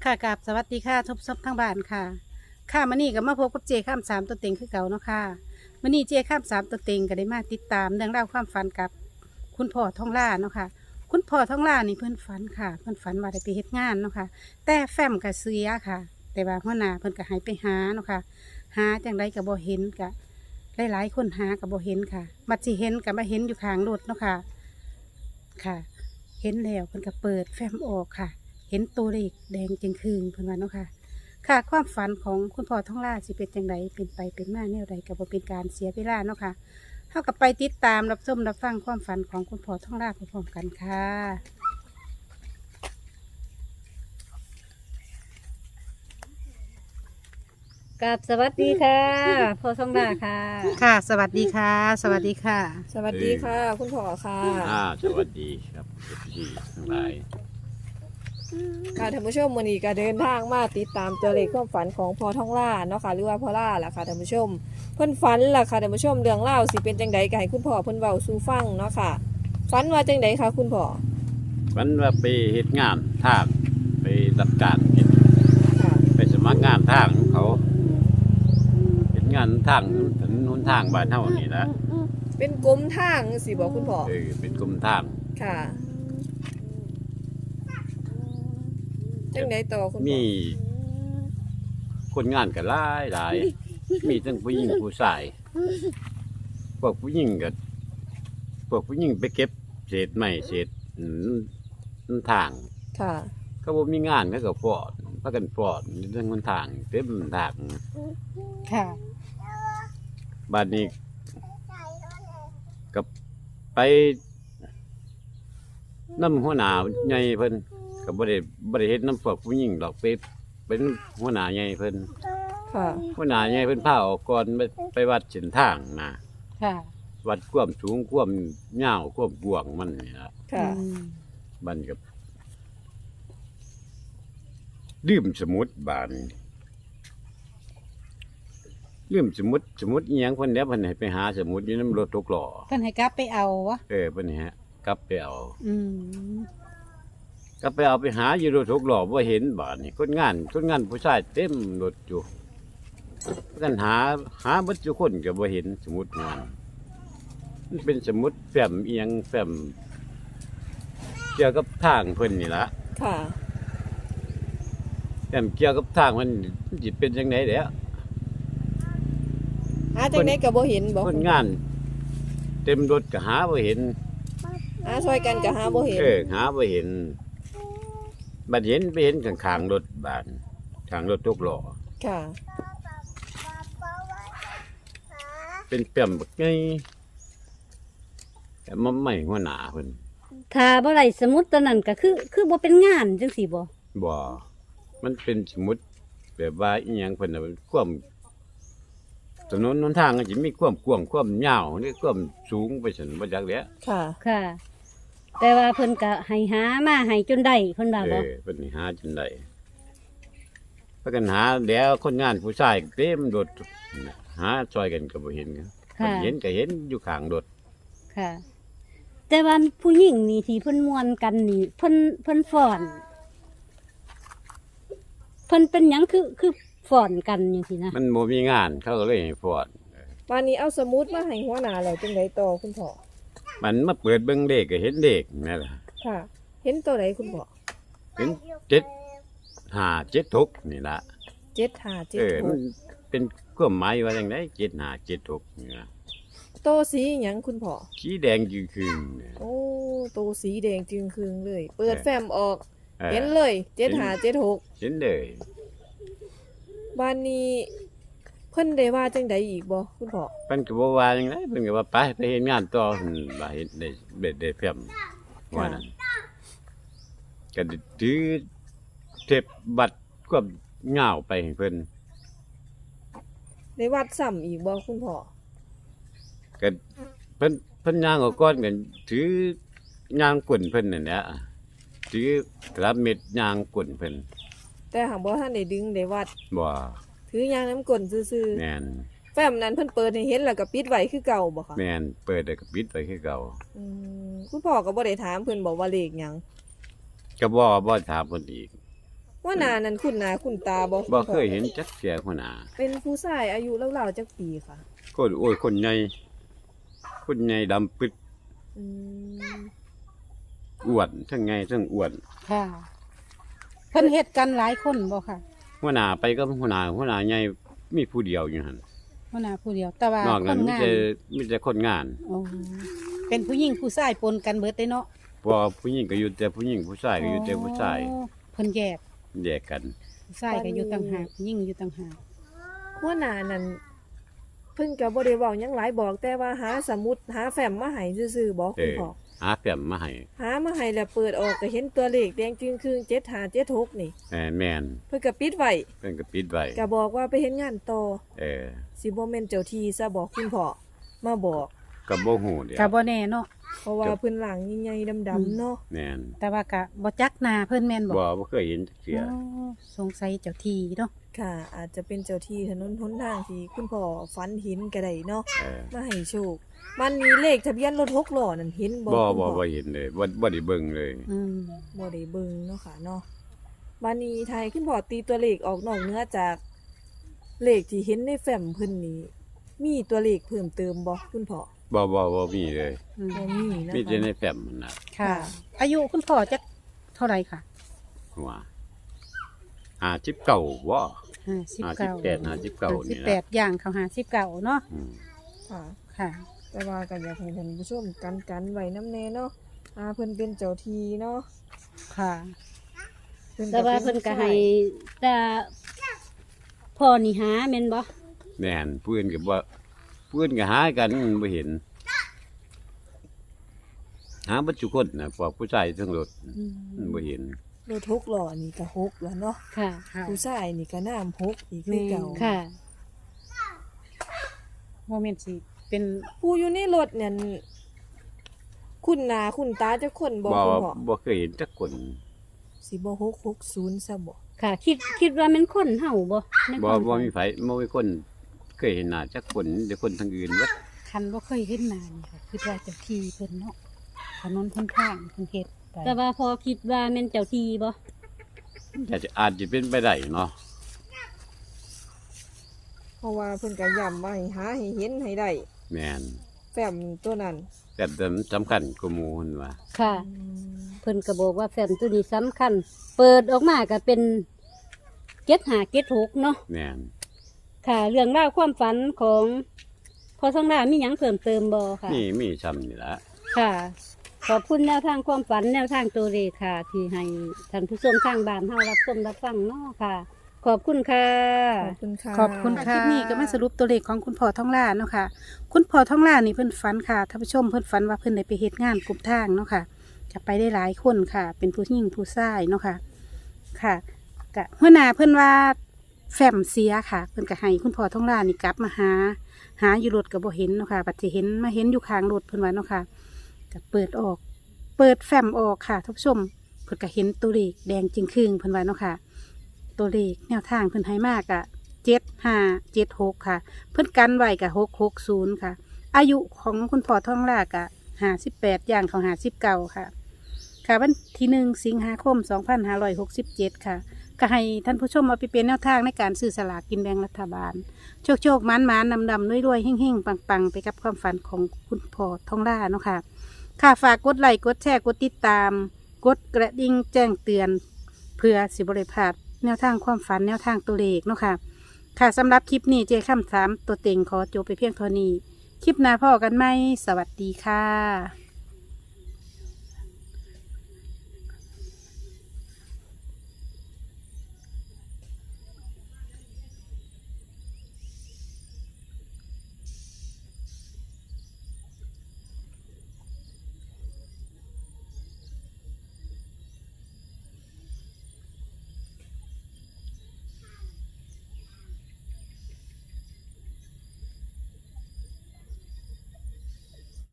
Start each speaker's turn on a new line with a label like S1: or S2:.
S1: ค่ะกับสวัสดีค่ะทบทบทั้งบ้านค่ะค่ะมื้อนี้ก็มาพบกับเจข้ามสามตัวเต็งคือเก่าเนาะค่ะมื้อนี้เจข้ามสามตัวเต็งก็ได้มาติดตามเรื่องราวความฝันกับคุณพ่อท่องล่าเนาะค่ะคุณพ่อท่องล่านี่เพิ่นฝันค่ะเพิ่นฝันว่าได้ไปเฮ็ดงานเนาะค่ะแต่แฟ้มก็เสียค่ะ แต่ว่าหัวหน้าเพิ่นก็ให้ไปหาเนาะค่ะหาจังไดก็บ่เห็นก็หลายๆคนหาก็บ่เห็นค่ะบัดสิเห็นก็มาเห็นอยู่ข้างรถเนาะค่ะค่ะ เห็นแล้วเพิ่นก็เปิดแฟ้มออกค่ะ เห็นตัวเลขแดงจึงคืนเพิ่นว่าเนาะค่ะค่ะความฝันของคุณพ่อท่องล่าสิเป็นจังไดเป็นไปเป็นมาแนวใดก็บ่เป็นการเสียเวลาเนาะค่ะเฮาก็ไปติดตามรับชมรับฟังความฝันของคุณพ่อท่องล่าพร้อมๆกันค่ะ
S2: กับสวัสดีค่ะพ่อทองดาค่ะ
S1: ค่ะ สวัสดีค่ะ สวัสดีค่ะ
S3: สวัสดีค่ะ คุณพ่อค่ะ
S4: สวัสดีครับพี่ทั้งหลาย
S3: ค่ะท่านผู้ชมวันนี้ก็เดินทางมาติดตามตัวเลขความฝันของพ่อท่องล่าเนาะค่ะหรือว่าพ่อล่าล่ะค่ะท่านผู้ชมเพิ่นฝันล่ะค่ะท่านผู้ชมเรื่องเล่าวสิเป็นจังใดก็ให้คุณพ่อเพิ่นเว้าสู่ฟังเนาะค่ะฝันว่าจังใดคะคุณพ่อ
S4: วันว่าไปเฮ็ดงานทางไปรับการเฮ็ด
S3: ค่ะ
S4: ไปสมัครงานทางของเขาเฮ็ดงานทางถนนหนทางบ้านเฮานี่ละ
S3: เป็นกรมทางสิบอกคุณพ่อ
S4: เป็นกรมทาง
S3: ค่ะจังใดต่อคุณพ่อ
S4: มีคนงานก็หลายมีทั้งผู้หญิงผู้ชายพวกผู้หญิงก็พวกผู้หญิงไปเก็บเศษไม้เศษทาง
S3: ค่ะ
S4: ก็บ่มีงานเขาก็ฟอดพากันฟอดอยู่ทั้งหนทางเต็มทาง
S1: ค่ะ
S4: บ้านนี้กับไปน้ำหัวหน้าใหญ่เพิ่นก็บ่ได้เฮ็ดน้ำพวกผู้หญิงดอกไปเป็นหัวหน้าใหญ่เพิ่น
S3: ค่ะ
S4: หัวหน้าใหญ่เพิ่นพาออกก่อนไปวัดเส้นทางนะ
S1: ค่ะ
S4: วัดความสูงความยาวความกว้างมันนี่ล่ะ
S3: ค่ะ
S4: บ้านกับลืมสมุดบ้านลืมสมุดอีหยังเพิ่นแล้วเพิ่นให้ไปหาสมุดอยู่นำรถตกล้อ
S1: เพิ่นให้กลับไปเอาวะ
S4: เพิ่นนี่ฮะกลับไปเอา
S1: อืม
S4: ก็ไปเอาไปหาอยู่รถหกล้อบ่เห็นบาดนี่คนงานผู้ชายเต็มรถอยู่กันหาเบิดทุกคนก็บ่เห็นสมุดมันเป็นสมุดแฟ้มอีหยังแฟ้มเกี่ยวกับทางเพิ่นนี่ล่ะ
S3: ค่ะ
S4: แฟ้มเกี่ยวกับทางมันสิเป็นจังได๋เด้อ
S3: หาจังใดก็บ่เห็นบ่
S4: คนงาน เต็มรถก็หาบ่เห็น
S3: หาช่วยกันก็หาบ่เห็น
S4: หาบ่เห็นบัดเห็นไปเห็นข้างๆรถบานข้างรถตกล้อ
S3: ค่ะ
S4: เป็นแฟ้มบักใหญ่แต่มันไม่หัวหน้าเพิ่น
S2: ถ้าบ่ไรสมุดตัวนั้นก็คือบ่เป็นงานจังสี่บ่
S4: บ่ มันเป็นสมุดแบบว่าอีหยังเพิ่นน่ะความถนนหนทางก็สิมีความกว้างความยาวหรือความสูงไปซั่นบ่จักแหล้ว
S3: ค่ะ
S2: ค่ะ แต่ว่าเพิ่นก็ให้หามาให้จนได้เพิ่นว่าบ่
S4: เพิ่นนี่หาจนได้พากันหาแล้วคนงานผู้ชายเต็มรถหาช่วยกันก็บ่เห็นกันเพิ่นเห็นก็เห็นอยู่ข้างรถ
S2: ค่ะ แต่ว่าผู้หญิงนี่ที่เพิ่นม่วนกันนี่เพิ่นฟ้อนเพิ่นเป็นหยังคือฟ้อนกันจังซี่นะ
S4: มันบ่มีงานเขาก็เลยให้ฟอด
S3: วันนี้เอาสมุดมาให้หัวหน้าแล้วจังไดต่อคุณพ่อ
S4: มันมาเปิดเบิ่งเลขก็เห็นเลขนั่นล่ะ
S3: ค่ะ เห็นตัวไหนคุณพ่อ
S4: เห็น7576นี่ล่ะ
S3: 7576
S4: มันเป็นความหมายว่าจังได7576นี่ล่ะ
S3: โตสีหยังคุณพ่อ
S4: สีแดงจืดคืนเนี่ย
S3: โอ้โตสีแดงจึงคืงเลย เปิดแฟ้มออก
S4: ออ
S3: เห็นเลย7576
S4: เห็นเลย
S3: บ้านนี้เพิ่นได้ว่าจังใดอีกบ่คุณพ่อ
S4: เพิ่นก็บ่ว่าจังไดเพิ่นก็ว่าไปเฮ็ดงานต่อหั่นว่าเฮ็ดได้แฟ้มว่านั้นก็ได้ถือเทปบัตรความยาวไปให้เพิ่น
S3: ได้วัดซ้ำอีกบ่คุณพ่อ
S4: ก็เพิ่นย่างออกก่อนกันถือย่างกวนเพิ่นนั่นแหละถือกระเม็ดย่างกวนเพิ่น
S3: แต่หากบ่ทันได้ดึงได้วัด
S4: บ่
S3: ถือยางน้ำกลนซื่อ
S4: แม่น
S3: ๆแฟ้มนั้นเพิ่นเปิดให้เห็นแล้วก็ปิดไว้คือเก่าบ่คะ
S4: แม่นเปิดแล้วก็ปิดไว้คือเก่า
S3: คุณพ่อก็บ่ได้ถามเพิ่นบอกว่าเลขหยัง
S4: ก็บ่ถามเพิ่นอีก
S3: ว่าหนานั้นคุณหนาคุณตาบ่
S4: บ่เคยเห็นจักเสียหัวหน้า
S3: เป็นผู้ชายอายุราวๆจักปีค่ะ
S4: คนโอ้ยคนใหญ่ดำปึ๊ด
S3: อืม
S4: อ้วนทั้งไงทั้งอ้วน
S1: ค่ะ เพิ่นเฮ็ดกันหลายคนบ่ค่ะ
S4: หัวหน้าไปก็หัวหน้าใหญ่มีผู้เดียวอยู่หั่น
S1: หัวหน้าผู้เดียว แต่ว่าน
S4: อก
S1: ค
S4: นั้น
S1: น
S4: มี
S1: งาน
S4: แต่คนงาน
S1: โอ้เป็นผู้หญิงผู้ชายปนกันเบิดได้เนาะ
S4: พอผู้หญิงก็อยู่แต่ผู้หญิงผู้ชายก็อยู่แต่ผู้ชาย
S1: โอ้เพิ่นแยก
S4: แยกกัน
S1: ผู้ชายก็อยู่ต่างหากผู้หญิงอยู่ต่างหาก
S3: ว่าหนานั้นเพิ่นก็บ่ได้เว้าหยังหลายบอกแต่ว่าหาสมุดหาแฟ้มมาให้ซื่อๆบ่คุณพ่อ
S4: หาแฟ้มมาให้
S3: หามาให้แล้วเปิดออกก็เห็นตัวเลขแดงจึงครึ่ง7576นี่
S4: แม่น
S3: เพิ่นก็ปิดไว้
S4: เพิ่นก็ปิดไว้
S3: ก็บอกว่าไปเฮ็ดงานต่อ
S4: อ
S3: สิบ่แม่นเจ้าที่ซะบอกคุณพ่อมาบอก
S4: ก็บ่ฮู้เด้
S1: ก็บ่แน่เนาะ
S3: เพราะว่าเพิ่นหลังใหญ่ๆดำๆเนาะ
S4: แม่น
S1: แต่ว่าก็บ่จักหน้าเพิ่นแม่นบ่
S4: บ่เคยเห็นจักเสีย
S1: โอ้สงสัยเจ้าที่เนาะ
S3: ค่ะ อาจจะเป็นเจ้าที่ถนนหนทางที่คุณพ่อฝันเห็นก็ได้เนาะ มาให้โชคมันมีเลขทะเบียนรถ6ล้อนั่นเห็นบ่
S4: บ่
S3: คุณพ่อ
S4: เห็นเลยบ่ได้เบิ่งเลย
S1: อืม
S3: บ่ได้เบิ่งเนาะค่ะเนาะบัดนี้ไทยคุณพ่อตีตัวเลขออกนอกเหนือจากเลขที่เห็นในแฟ้มเพิ่นนี้มีตัวเลขเพิ่มเติมบ่คุณพ่อ
S4: บ่มีเลย
S1: อืม
S3: บ่มีนะ
S4: มี
S3: คะ
S4: แต่ในแฟ้มนั่นน่ะ
S1: ค่ะ อายุคุณพ่อจักเท่าไหร่ค่ะ
S4: หัว59บ่
S1: 59
S4: 58นี่นะ
S1: 58ย่างเข้า59เนาะ
S4: อืม
S3: ค่ะ
S1: ค่ะ
S3: แต่ว่าก็อยากให้ท่านผู้ชมกันไว้นำแน่เนาะเพิ่นเป็นเจ้าที่เนาะ
S1: ค่ะ
S2: แต่ว่าเพิ่นก็ให้แต่พ่อนี่หาแม่นบ่
S4: แม่นเพื่อนก็หากันบ่เห็น หาบัดทุกคนน่ะพวกผู้ชายทั้งรถบ่เห็น
S3: รถ6ล้อนี่ก็6แล้วเนาะ
S2: ค่ะ
S3: ผู้ชายนี่ก็น้ำ6อีกคือเก่า
S2: ค่ะ
S1: โมเมนต์สิเป็น
S3: ผู้อยู่ในรถเนี่ยคุณหนาคุณตาจะคนบอกคุณพ่อ
S4: บ่เคยเห็นจักคน
S3: สิบ่660ซะบ่
S2: ค่ะ คิดว่ามันคนเฮาบ่ใน
S4: บ่
S2: ความ
S4: บ่
S2: ฝัน
S4: มีไผบ่มีคนเคยเห็นหน้าจักคนแต่คนทางอื่นเบิด
S1: คันบ่เคยเห็นหน้านี่ค่ะคือว่าเจ้าที่เพิ่นเนาะถนนเพิ่นทางเพิ่นเฮ็ดไป
S2: แต่ว่าพอคิดว่าแม่นเจ้าที่บ่
S4: อาจจะเป็นไปได้เนาะ
S3: เพราะว่าเพิ่นก็ย้ำว่าให้หาให้เห็นให้ได้
S4: แม่น
S3: แฟ้มตัวนั้น
S4: แต่สำคัญกว่าหมู่เพิ่นว่า
S2: ค่ะ เพิ่นก็บอกว่าแฟ้มตัวนี้สำคัญ เปิดออกมาก็เป็น7576เนาะ
S4: แม่น
S2: ค่ะ เรื่องราวความฝันของพอทองดามีหยังเพิ่มเติมบ่ค่ะ
S4: มีซ้ำนี่ล่ะ
S2: ค่ะ ขอบคุณแนวทางความฝันแนวทางตัวเลขค่ะ ที่ให้ท่านผู้ชมทางบ้านเฮารับชมรับฟังเนาะค่ะ ขอบคุณค่ะ
S3: ขอบคุณค่ะ
S1: ขอบคุณค่ะคลิปนี้ก็มาสรุปตัวเลขของคุณพ่อท่องล่าเนาะค่ะ คุณพ่อท่องล่านี่เพิ่นฝันค่ะท่านผู้ชมเพิ่นฝันว่าเพิ่นได้ไปเฮ็ดงานกลุ่มทางเนาะค่ะจะไปได้หลายคนค่ะ เป็นผู้หญิงผู้ชายเนาะค่ะ ค่ะกะหัวหน้าเพิ่นว่าแฟ้มเสียค่ะ เพิ่นก็ให้คุณพ่อท่องล่านี่กลับมาหาอยู่รถก็บ่เห็นเนาะค่ะบัดสิเห็นมาเห็นอยู่ข้างรถเพิ่นว่าเนาะค่ะก็เปิดแฟ้มออกค่ะท่านผู้ชมเพิ่นก็เห็นตัวเลขแดงจึงครึ่งเพิ่นว่าเนาะค่ะ ตัวเลขแนวทางเพิ่นให้มากอะ7576ค่ะ เพิ่นกันไว้กะ660ค่ะ อายุของคุณพ่อท่องลากะ58ย่างของ59ค่ะ ค่ะวันที่1 สิงหาคม 2567 ค่ะก็ให้ท่านผู้ชมเอาไปเป็นแนวทางในการซื้อสลากกินแบ่งรัฐบาล โชคๆมันๆดำๆรวยๆเฮ่งๆปังๆ ไปกับความฝันของคุณพ่อท่องล่าเนาะค่ะ ค่ะฝากกดไลค์กดแชร์กดติดตาม กดกระดิ่งแจ้งเตือน เพื่อสิบริพลาดแนวทางความฝันแนวทางตัวเลขเนาะค่ะ ค่ะสำหรับคลิปนี้เจค่ำ3ตัวเต็งขอจบไปเพียงเท่านี้ คลิปหน้าพ่อกันไหมสวัสดีค่ะ